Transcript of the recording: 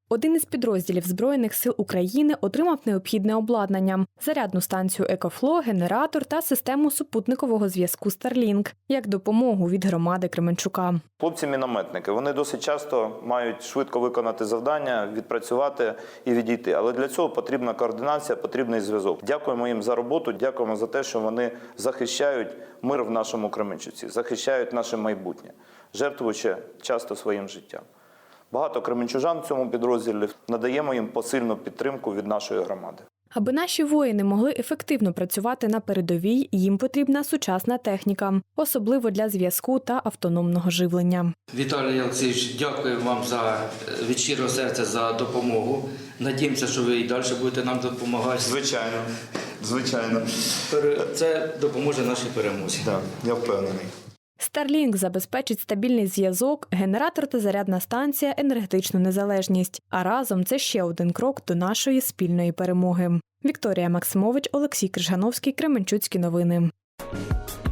Один із підрозділів Збройних сил України отримав необхідне обладнання – зарядну станцію «Екофло», генератор та систему супутникового зв'язку Starlink як допомогу від громади Кременчука. Хлопці-мінометники, вони досить часто мають швидко виконати завдання, відпрацювати і відійти. Але для цього потрібна координація, потрібний зв'язок. Дякуємо їм за роботу, дякуємо за те, що вони захищають мир в нашому Кременчуці, захищають наше майбутнє, жертвуючи часто своїм життям. Багато кременчужан в цьому підрозділі, надаємо їм посильну підтримку від нашої громади. Аби наші воїни могли ефективно працювати на передовій, їм потрібна сучасна техніка, особливо для зв'язку та автономного живлення. Віталій Олексійович, дякую вам від щирого серця за допомогу. Надіємося, що ви і далі будете нам допомагати. Звичайно, звичайно. Це допоможе нашій перемозі. Так, я впевнений. Starlink забезпечить стабільний зв'язок, генератор та зарядна станція – енергетичну незалежність. А разом це ще один крок до нашої спільної перемоги. Вікторія Максимович, Олексій Крижановський, Кременчуцькі новини.